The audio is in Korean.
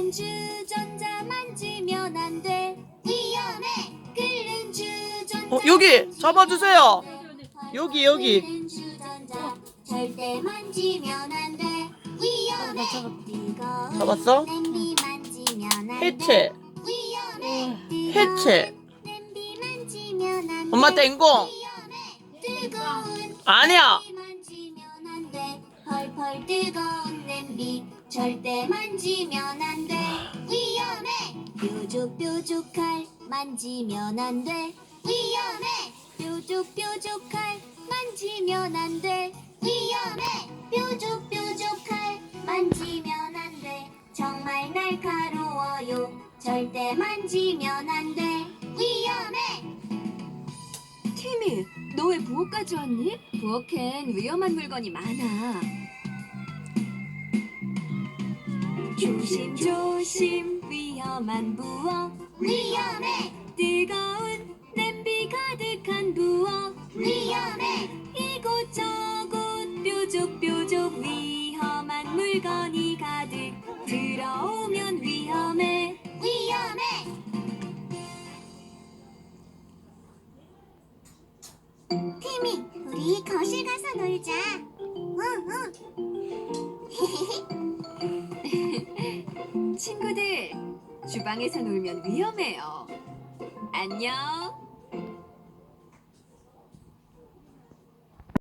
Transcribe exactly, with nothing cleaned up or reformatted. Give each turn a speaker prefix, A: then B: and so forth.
A: 끓는 주전자 만지면 안 돼. 위험해. 끓는 주전자.
B: 어, 여기 잡아주세요. 여기 여기.
A: 끓는 주전자 절대 만지면 안 돼. 위험해. 뜨거운
B: 잡았어?
A: 냄비 만지면 안 돼.
B: 해체.
A: 위험해.
B: 해체.
A: 냄비 만지면 안 돼.
B: 엄마 땡공.
A: 위험해. 뜨거운
B: 아니야.
A: 냄비 만지면 안 돼. 펄펄 뜨거운 냄비 절대 만지면 안 돼. 위험해. 뾰족뾰족할 만지면 안 돼. 위험해. 뾰족뾰족할 만지면 안 돼. 위험해. 뾰족뾰족할 만지면 안 돼. 정말 날카로워요. 절대 만지면 안 돼. 위험해.
C: 티미, 너 왜 부엌까지 왔니? 부엌엔 위험한 물건이 많아. 조심조심 위험한 부엌.
A: 위험해.
C: 뜨거운 냄비 가득한 부엌.
A: 위험해.
C: 이곳저곳 뾰족뾰족 위험한 물건이 가득. 들어오면 위험해.
A: 위험해. 티미, 우리 거실 가서 놀자. 응, 응.
C: 친구들, 주방에서 놀면 위험해요. 안녕.